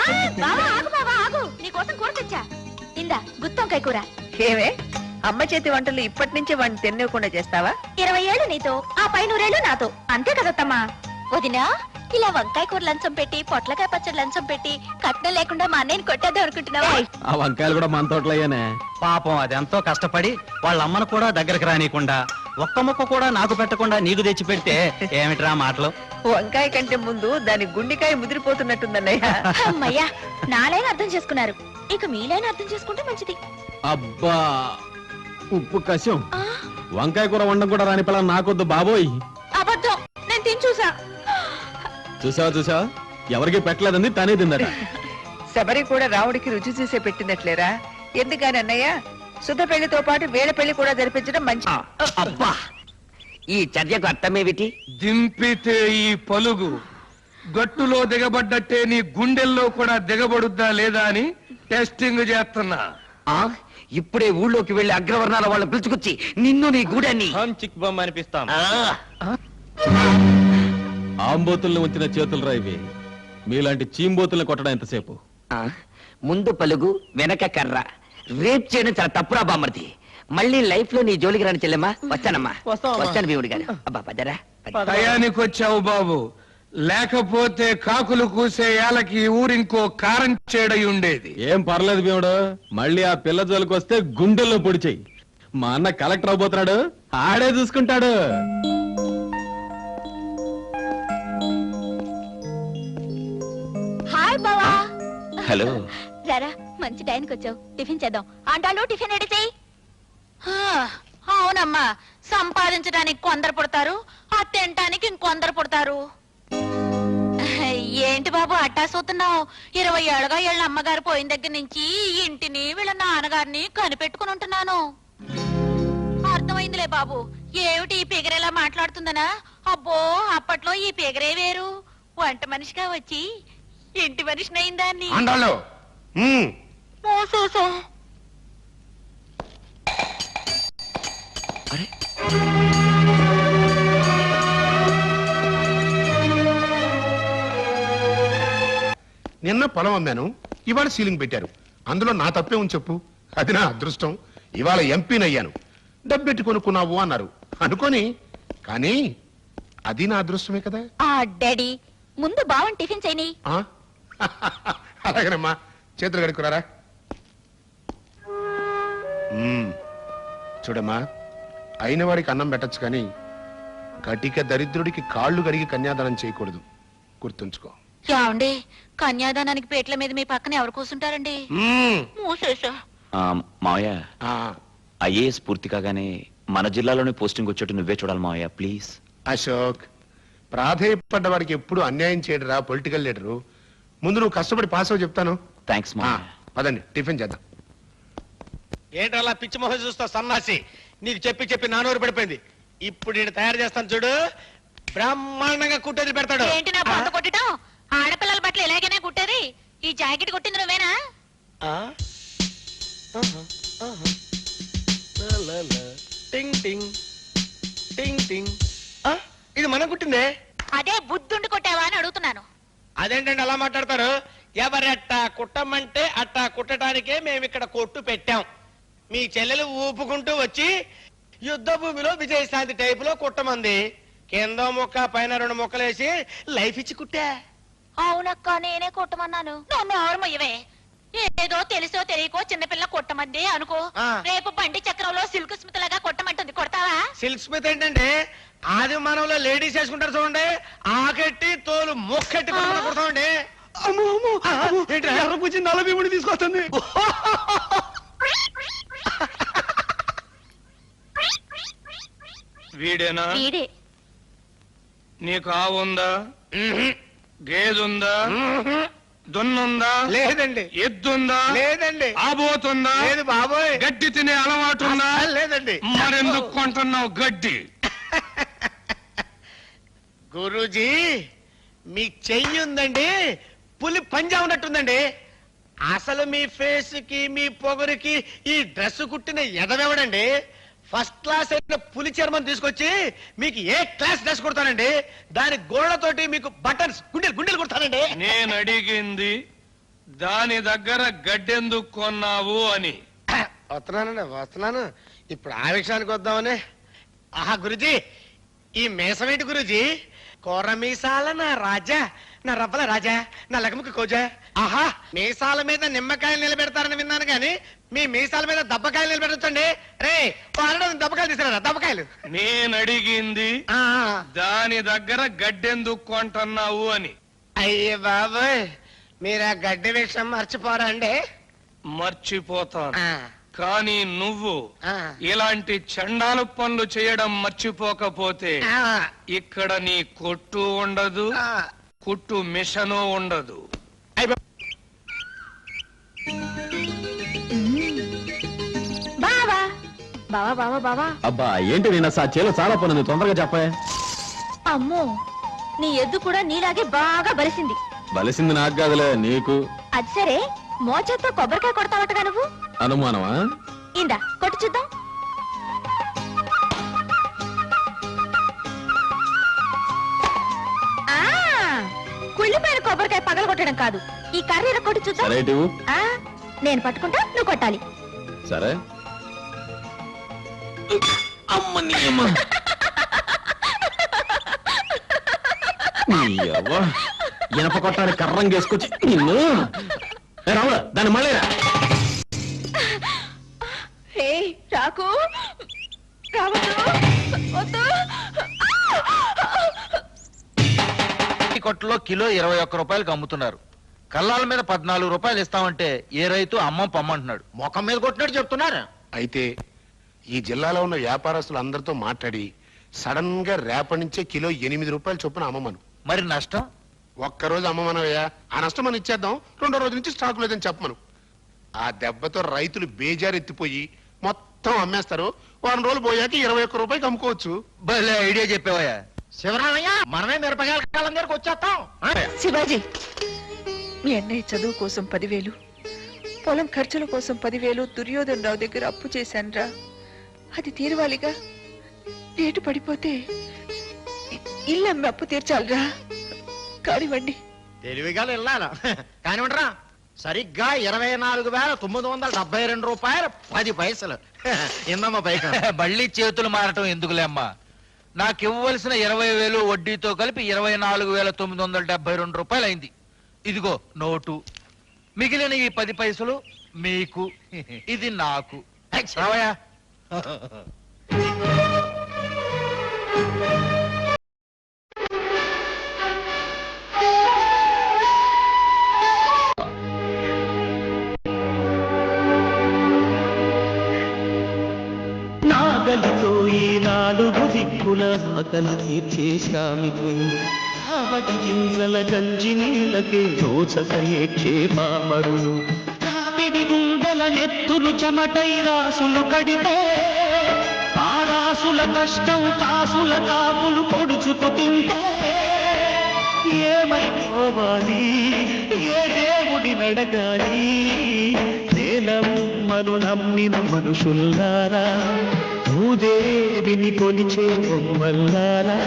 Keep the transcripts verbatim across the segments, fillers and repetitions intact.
ఆగు బావా ఆగు, నీకోసం కూర తెచ్చా. ఇందా గుత్తొంకాయ కూర. ఏమే అమ్మ చేతి వంటలు ఇప్పటి నుంచి వాడిని తిన్నకుండా చేస్తావా? ఇరవై ఏళ్ళు నీతో, ఆ పై నూరేళ్ళు నాతో, అంతే కదత్తమ్మా. వదినా, ఇలా వంకాయ కూర లంచం పెట్టి పొట్లకాయ పచ్చడి లంచం పెట్టి కట్నం లేకుండా మా అన్నయ్యని కొట్టేద్దాం అనుకుంటున్నావా? ఆ వంకాయలు కూడా మన తోటలయ్యానే. పాపం అది ఎంతో కష్టపడి వాళ్ళ అమ్మను కూడా దగ్గరకు రానియకుండా ఒక్క ముక్క కూడా నాకు పెట్టకుండా నీకు తెచ్చి పెడితే ఏమిట్రా మాటలు? వంకాయ కంటే ముందు దాని గుండెకాయ ముదిరిపోతున్నట్టుందన్నయ్య. అమ్మయ్యా, నాలైనా అర్థం చేసుకున్నారు, ఇక మీలైనా అర్థం చేసుకుంటే మంచిది. అబ్బా ఉప్పు కషం. వంకాయ కూర వండడం కూడా రాని పిల్ల నాకొద్దు బాబోయ్. అబద్ధం, నేను తిని చూసా. చూసావా చూసావా, ఎవరికి పెట్టలేదంది తనే తిందట. శబరి కూడా రావుడికి రుచి చూసే పెట్టినట్లేరా? ఎందుకని అన్నయ్య, శుద్ధ పెళ్లితో పాటు వేళ పెళ్లి కూడా జరిపించడం మంచి. అబ్బా, ఈ చర్యకు అర్థమేమిటి? దింపితే ఈ పలుగు గట్టులో దిగబడ్డట్టే నీ గుండెల్లో కూడా దిగబడుద్దా లేదా అని టెస్టింగ్ చేస్తున్నా. ఆ ఇప్పుడే ఊళ్ళోకి వెళ్లి అగ్రవర్ణాల వాళ్ళు పిలుచుకొచ్చి నిన్ను నీ గూడాన్ని చిక్ బొమ్మ అనిపిస్తాం. ఆంబోతుల్ని ఉంచిన చేతులు రాయివి, మీలాంటి చీంబోతుల్ని కొట్టడం ఎంతసేపు? ముందు పలుగు వెనక కర్ర, రేప్ చేయడం చాలా తప్పురా బామ్మర్ది. మళ్ళీ లైఫ్ లో నీ జోలికి రాని చెల్లెమ్మా. వస్తానమ్మా, వస్తాను భీముడి గారు. అబ్బా పదరా. టయానికి వచ్చావు బాబు, లేకపోతే కాకులు కూసే ఏలకి ఊరింకో కారం చేడై ఉండేది. ఏం పర్లేదు భీముడు, మళ్ళీ ఆ పిల్ల జోలికి వస్తే గుండెల్లో పొడిచేయి. మా అన్న కలెక్టర్ అవబోతున్నాడు, ఆడే చూసుకుంటాడు. హాయ్ బావా. హలో. రారా, మంచి టైంకి వచ్చావు. టిఫిన్ చేద్దాం. అంటాలు టిఫిన్ రెడీ చేయి. అవునమ్మా, సంపాదించడానికి కొందరు పుడతారు, ఆ తినటానికి ఇంకొందరు పుడతారు. ఏంటి బాబు అట్టా చూస్తున్నావు? ఇరవై ఏళ్ళగా వీళ్ళ అమ్మగారు పోయిన దగ్గర నుంచి ఇంటిని వీళ్ళ నాన్నగారిని కనిపెట్టుకుని ఉంటున్నాను. అర్థమైందిలే బాబు, ఏమిటి ఈ పిగరేలా మాట్లాడుతుందనా? అబ్బో, అప్పట్లో ఈ పిగరే వేరు. వంట మనిషిగా వచ్చి ఇంటి మనిషిని అయిందాన్ని. నిన్న పొలం అమ్మాను, ఇవాళ సీలింగ్ పెట్టారు. అందులో నా తప్పే ఉంది చెప్పు? అది నా అదృష్టం. ఇవాళ ఎంపీనయ్యాను. డబ్బెట్టి కొనుక్కున్నావు అన్నారు అనుకోని, కానీ అది నా అదృష్టమే కదా. ఆ డాడీ, ముందు బావన్ టిఫిన్ చేయని. అలాగేనమ్మా, చేతులు కడుక్కురారా. చూడమ్మా, అయిన వాడికి అన్నం పెట్టచ్చు, కానీ కటిక దరిద్రుడికి కాళ్ళు కడిగి కన్యాదానం చేయకూడదు, గుర్తుంచుకో. యావండి, కన్యాదానానికి పేట్ల మీద మీ పక్కన ఎవరు కూర్చుంటారండి? మావయ్య, ఐఏఎస్ పూర్తి కాగానే మన జిల్లాలోనే పోస్టింగ్ వచ్చేట్టు నువ్వే చూడాలి మావయ్య, ప్లీజ్. అశోక్, ప్రాధేయపడ్డ వాడికి ఎప్పుడు అన్యాయం చేయడరా పొలిటికల్ లీడరు. ముందు నువ్వు కష్టపడి పాస్ అవ్వ చెప్తాను. థ్యాంక్స్ మావయ్య. పదండి టిఫిన్ చేద్దాం. ఏంటలా పిచ్చి మొహం చూస్తావు సన్నాసి? నీకు చెప్పి చెప్పి నానూరు పడిపోయింది. ఇప్పుడు నేను తయారు చేస్తాను చూడు, బ్రహ్మాండంగా కుట్టేది పెడతాడు. ఏంటి నా పొంత కొట్టడం? ఆడపిల్లల బట్టలు ఎలాగైనా కుట్టేది. ఈ జాకెట్ కుట్టింది నువ్వేనా? టింగ్ టింగ్ టింగ్ టింగ్. ఇది మనం కుట్టిందే. అదే బుద్ధుండి కొట్టావా అని అడుగుతున్నాను. అదేంటండి అలా మాట్లాడతారు? ఎవరి అట్టా కుట్టమంటే అట్టా కుట్టడానికే మేము ఇక్కడ కొట్టు పెట్టాం. మీ చెల్లెలు ఊపుకుంటూ వచ్చి యుద్ధ భూమిలో విజయశాంతి టైప్ లో కుట్టమంది. కింద ముక్క పైన రెండు ముక్కలేసి లైఫ్ ఇచ్చి కుట్టా. అవునక్క, నేనే కొట్టమన్నాను. నన్ను ఆరుమయ్యవే. ఏదో తెలుసో తెలియకో చిన్నపిల్ల కొట్టమంది అనుకో, రేపు బండి చక్రంలో సిల్క్ స్మిత్ లాగా కొట్టమంటుంది. కొడతావా? సిల్క్ స్మిత్ ఏంటండి? ఆది మానవులో లేడీస్ వేసుకుంటారు చూడండి, ఆకెట్టి తోలు మొక్కెట్టి కుడతామండి. నలభీముడి తీసుకొస్తుంది. వీడేనా? వీడే. నీకు ఆవుందా? గేదుందా? దున్నుందా? లేదండి. ఎద్దుందా? లేదండి. ఆబోతుందా? లేదు బాబోయ్. గడ్డి తినే అలవాటు ఉందా? లేదండి. మరెందుకు కొంటున్నావు గడ్డి? గురూజీ, మీ చెయ్యి ఉందండి, పులి పంజా ఉన్నట్టుందండి. అసలు మీ ఫేస్ కి మీ పొగరికి ఈ డ్రెస్ కుట్టిన ఎదవెవడండి? ఫస్ట్ క్లాస్ అయిన పులి చర్మం తీసుకొచ్చి మీకు ఏ క్లాస్ డ్రెస్ కుడతానండి. దాని గోడతోటి మీకు బటన్స్ గుండెలు గుండెలు కుడతానండి. నేను అడిగింది దాని దగ్గర గడ్డెందుకు కొన్నావు అని. వస్తున్నానండి వస్తున్నాను. ఇప్పుడు ఆ విషయానికి వద్దామని. ఆహా గురుజీ, ఈ మీసమేంటి గురుజీ? కూర మీసాల నా రాజా, నా రవ్వల రాజా, నా లగముకి కోజా. ఆహా, మీసాల మీద నిమ్మకాయలు నిలబెడతారని విన్నాను కానీ మీ మీసాల మీద దబ్బకాయలు నిలబెట్టండి. రే వాడడం దబ్బకాయలు తీసుకురా, దబ్బకాయలు. నేను అడిగింది ఆ, దాని దగ్గర గడ్డెందుకు కొంటున్నావు అని. అయ్యే బాబోయ్, మీరు ఆ గడ్డి విషయం మర్చిపోరా అండి? మర్చిపోతాను, ఆ, కానీ నువ్వు ఆ, ఇలాంటి చండాల పనులు చేయడం మర్చిపోకపోతే ఆ, ఇక్కడ నీ కొట్టు ఉండదు, ఆ. కుట్టు మిషను ఉండదు. బావా బావా బావా బావా అబ్బా ఏంటి నిన్న సా చేలో చాలా పని ఉంది, తొందరగా చెప్పే. అమ్మో, నీ ఎద్దు కూడా నీలాగే బాగా బలిసింది. బలిసింది నాకు కాదులే, నీకు. అది సరే, మోచేత్తో కొబ్బరికాయ కొడతావటగా నువ్వు. అనుమానమా? ఇందా కొట్టు చూద్దాం. ఆ, కుళ్ళిపోయిన కొబ్బరికాయ పగల కొట్టడం కాదు, ఈ కర్రీర కొట్టు చూద్దాం. సరే ఇటు. ఆ, నేను పట్టుకుంటా, నువ్వు కొట్టాలి. సరే. ఇనప కొట్టాలి కర్రం చేసుకొచ్చి నిన్ను. ఏ రాముడా, దాన్ని మళ్ళీ రా. హే రాకు, రావద్దు, వద్దు. ఈ కొట్టులో కిలో ఇరవై ఒక్క రూపాయలకు అమ్ముతున్నారు. కల్లాల మీద పద్నాలుగు రూపాయలు ఇస్తామంటే ఏ రైతు అమ్మం పమ్మంటున్నాడు. ముఖం మీద కొట్టినట్టు చెప్తున్నారు. అయితే ఈ జిల్లాలో ఉన్న వ్యాపారస్తులు అందరితో మాట్లాడి సడన్ గా రేపటి నుంచే కిలో ఎనిమిది రూపాయలు చొప్పున అమ్మమను. మరి నష్టం? ఒక్కరోజు అమ్మమనవయ్యా, ఆ నష్టం మనం ఇచ్చేద్దాం. రెండో రోజు నుంచి స్టాక్ లేదని చెప్పమను. ఆ దెబ్బతో రైతులు బేజారెత్తిపోయి మొత్తం అమ్మేస్తారు. వారం రోజులు పోయాక ఇరవై ఒక్క రూపాయకి అమ్ముకోవచ్చు. భలే ఐడియా చెప్పావయ్యా. శివరామయ్య, మనమే మిరపకాయల కాలం దగ్గరకు వచ్చేస్తాం. శివాజీ, మీ అన్నయ్య చదువు కోసం పదివేలు, పొలం ఖర్చుల కోసం పదివేలు దుర్యోధన్ రావు దగ్గర అప్పు చేశానురా. అది తీరవాలిగా. రేటు పడిపోతే ఇ- ఇల్లు అమ్మి అప్పు తీర్చాలిరా. కానివ్వండి. తెలివిగా వెళ్ళాలి కానివ్వండిరా. సరిగ్గా ఇరవై నాలుగు వేల తొమ్మిది వందల డెబ్బై రెండు రూపాయలు పది పైసలు. ఇందమ్మా పైక. మళ్ళీ చేతులు మారటం ఎందుకులే అమ్మా. నాకు ఇవ్వవలసిన ఇరవై వేలు వడ్డీతో కలిపి ఇరవై నాలుగు వేల తొమ్మిది వందల డెబ్బై రెండు రూపాయలు అయింది. ఇదిగో నోటు. మిగిలిన ఈ పది పైసలు మీకు, ఇది నాకు. రావయ్యా. నాగలితో ఈ నాలుగు దిక్కుల ఆకలి తీర్చేశామికు ఆవటి గింజల గంజి నీళ్ళకే దోచక ఏడ్చే పామరులు కావిడి గుండెల ఎత్తులు చెమటై రాసులు కడితే ఆ రాసుల కష్టం కాసుల కాపులు పొడుచుకు తింటే ఏమైపోవాలి, ఏ దేవుడి నడగాలి? నేలమ్మను నమ్మిన మనుషుల్లారా, భూదేవిని కొలిచే బొమ్మల్లారా.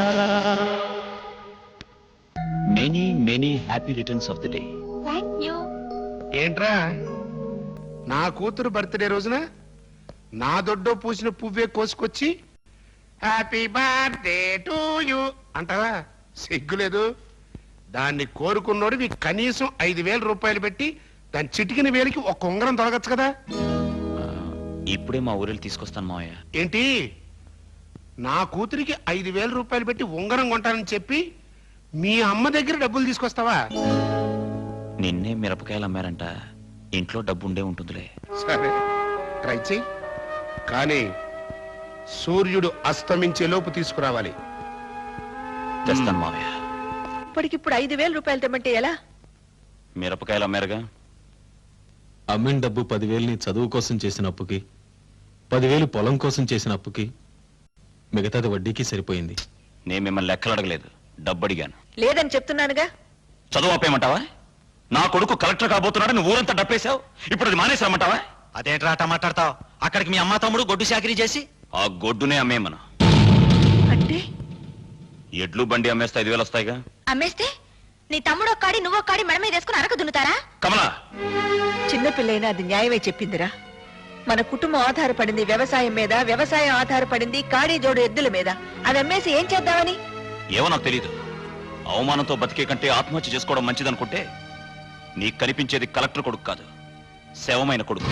Many many happy returns of the day. Thank you. ఏంట్రా, నా కూతురు బర్త్డే రోజున నా దొడ్డో పూసిన పువ్వే కోసుకొచ్చి హ్యాపీ బర్త్డే టు యూ అంటావా? సిగ్గులేదు. దాన్ని కోరుకున్నోడివి కనీసం ఐదు వేల రూపాయలు పెట్టి దాని చిటికిన వేలికి ఒక ఉంగరం తొలగచ్చు కదా. ఇప్పుడే మా ఊరిలో తీసుకొస్తాను మావయ్య. ఏంటి, నా కూతురికి ఐదు వేల రూపాయలు పెట్టి ఉంగరం కొంటానని చెప్పి మీ అమ్మ దగ్గర డబ్బులు తీసుకొస్తావా? నిన్నే మిరపకాయలు అమ్మారంట, ఇంట్లో డబ్బు ఉండే ఉంటుందిలే. సరే, ట్రై చెయ్యి. కానీ సూర్యుడు అస్తమించే లోపు తీసుకురావాలి. తెస్తాను మావయ్య. ఇప్పటికిప్పుడు ఐదు వేల రూపాయలు తెమ్మంటే ఎలా? మిరపకాయలు అమ్మారుగా. అమ్మిన డబ్బు పదివేలు నీ చదువు కోసం చేసిన అప్పుకి, పదివేలు పొలం కోసం చేసిన అప్పుకి, మిగతాది వడ్డీకి సరిపోయింది. నేను మిమ్మల్ని లెక్కలు అడగలేదు, డబ్బు అడిగాను. లేదని చెప్తున్నానుగా. చదువు ఆపేయమంటావా? నా కొడుకు కలెక్టర్ కాబోతున్నాడు, నువ్వు ఊరంతా డప్పేశావు. ఇప్పుడు అది మానేసామంటావా? అదేంట్రా అట్ట మాట్లాడతావు? అక్కడికి మీ అమ్మ తమ్ముడు గొడ్డు చాకరీ చేసి ఆ గొడ్డునే అమ్మేమను. అంటే ఎడ్లు బండి అమ్మేస్తే ఐదు వేలు వస్తాయిగా. అమ్మేస్తే నీ తమ్ముడు ఒక్కాడి నువ్వు ఒక్కాడి మెడ మీద వేసుకుని అరక దున్నుతారా? కమలా, చిన్నపిల్లైనా అది న్యాయమే చెప్పిందిరా. మన కుటుంబం ఆధారపడింది వ్యవసాయం మీద, వ్యవసాయం ఆధారపడింది కాడి జోడు ఎద్దుల మీద. అది అమ్మేసి ఏం చేద్దామని? ఏమో నాకు తెలీదు. అవమానంతో బతికే కంటే ఆత్మహత్య చేసుకోవడం మంచిదనుకుంటే నీకు కనిపించేది కలెక్టర్ కొడుకు కాదు, శవమైన కొడుకు.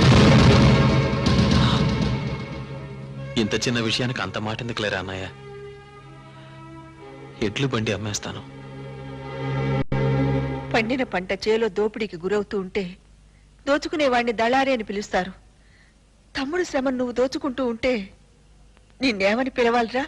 ఇంత చిన్న విషయానికి అంత మాట ఎందుకులేరా అన్నయ్య? ఎడ్లు బండి అమ్మేస్తాను. పండిన పంట చేలో దోపిడీకి గురవుతూ ఉంటే దోచుకునేవాడిని దళారి అని పిలుస్తారు. తమ్ముడు శ్రమ నువ్వు దోచుకుంటూ ఉంటే నిన్నేమని పిలవాలిరా?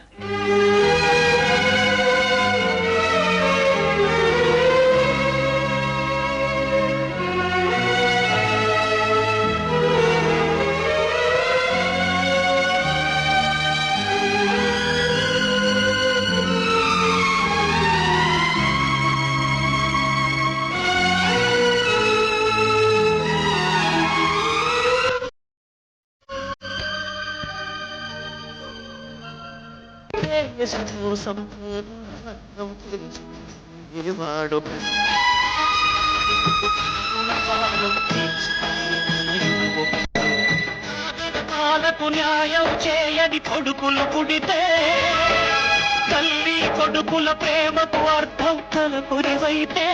పాలకు న్యాయం చేయని కొడుకులు పుడితే తల్లి కొడుకుల ప్రేమకు అర్థం తలపురివైతే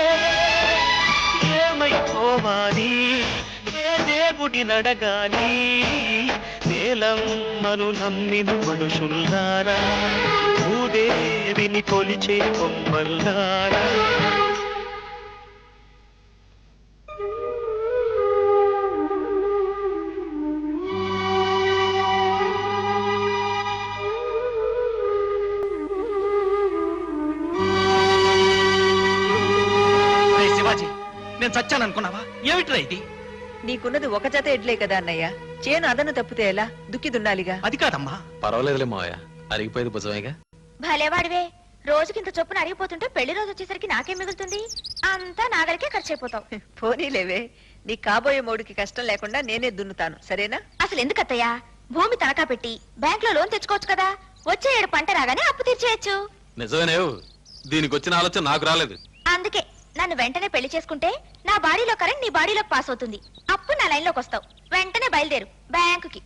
ఏమైపోవాలి, ఏ దేవుడి నడగాలి? నేలమ్మను నమ్మిన మనుషుల్లారా, భూదేవిని కొలిచే కొమ్మల్లారా. శివాజీ, నేను చచ్చాననుకున్నావా? ఏమిట్రా ఇది? నీకున్నది ఒక జత ఎడ్లే కదా అన్నయ్య. చేను అదను తప్పితే ఎలా? దుక్కి దున్నాలిగా. అది కాదమ్మా. పర్వాలేదులే మావయ్య, అరిగిపోయేది భుజమేగా. భలేవాడివే, రోజుకింత చొప్పున అరిగిపోతుంటే పెళ్లి రోజు వచ్చేసరికి నాకేం మిగులుతుంది? అంతా నాగలికే ఖర్చు అయిపోతావు. పోనీలేవే, నీ కాబోయే మోడికి కష్టం లేకుండా నేనే దున్నుతాను, సరేనా? అసలు ఎందుకత్తయ్యా భూమి తనఖా పెట్టి బ్యాంక్ లో లోన్ తెచ్చుకోవచ్చు కదా? వచ్చే ఏడు పంట రాగానే అప్పు తీర్చేయచ్చు. నిజమేనేవు, దీనికి వచ్చిన ఆలోచన నాకు రాలేదు. అందుకే నన్ను వెంటనే పెళ్లి చేసుకుంటే నా బాడీలో కరెంట్ నీ బాడీలోకి పాస్ అవుతుంది. అప్పుడు నా లైన్ లోకి వస్తావు. వెంటనే బయలుదేరు బ్యాంకుకి.